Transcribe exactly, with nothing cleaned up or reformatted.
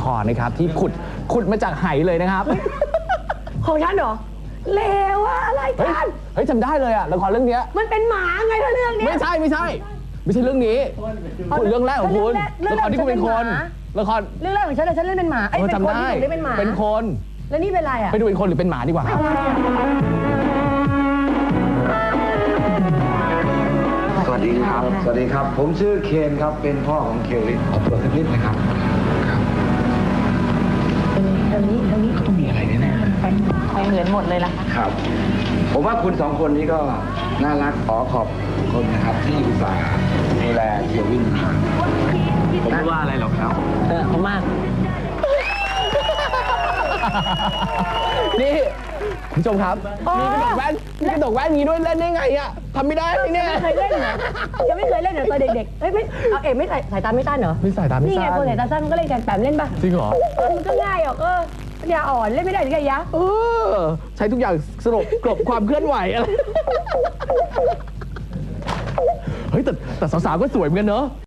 ครนะครับที่ขุดขุดมาจากไหเลยนะครับของฉันเหรอเลวอะอะไรเฮ้ยกันเฮ้ยจำได้เลยอะละครเรื่องเนี้ยมันเป็นหมาไงถ้าเรื่องเนี้ยไม่ใช่ไม่ใช่ไม่ใช่เรื่องนี้คุณเรื่องแรกของคุณเรื่องละแรกครที่คุณเป็นคนละครเรื่องแรกของฉันเลยฉันเล่นเป็นหมาไอ้ยเออเป็นจำคนได้ที่หนูเล่นเป็นหมาเป็นคนแล้วนี่เป็นอะไรอะไปดูเป็นคนหรือเป็นหมาดีกว่าครับสวัสดีครับ สวัสดีครับ ผมชื่อเคนครับ เป็นพ่อของเคลลิสขอตัวสักนิดนะครับ ครับทางนี้ทางนี้ต้องมีอะไรแน่ไปเหมือนหมดเลยล่ะคะๆครับ ผมว่าคุณสองคนนี้ก็น่ารักขอขอบคุณนะครับ ที่อุตส่าห์ดูแลเคลวินมาผมไม่ว่าอะไรหรอกครับเออเขามากนี่คุณผู้ชมครับมีกระดกแว่นมีกระดกแว่นอย่างนี้ด้วยเล่นได้ไงอะทำไม่ได้เลยเนี่ยไม่เคยเล่นเหรอยังไม่เคยเล่นเหรอตอนเด็กๆเฮ้ยไม่เอาเอ๋ไม่ใส่สายตาไม่สั้นเหรอไม่สายตาไม่นี่ไงสั้นคนสายตาสั้นมันก็เล่นกันแปมเล่นปะจริงเหรอเออมันก็ง่ายออกเออปัญญาอ่อนเล่นไม่ได้หรือไงยะเออใช้ทุกอย่างสรุปกลบความเคลื่อนไหวอะไรเฮ้ยแต่แต่สาวๆก็สวยเหมือนกันเนอะ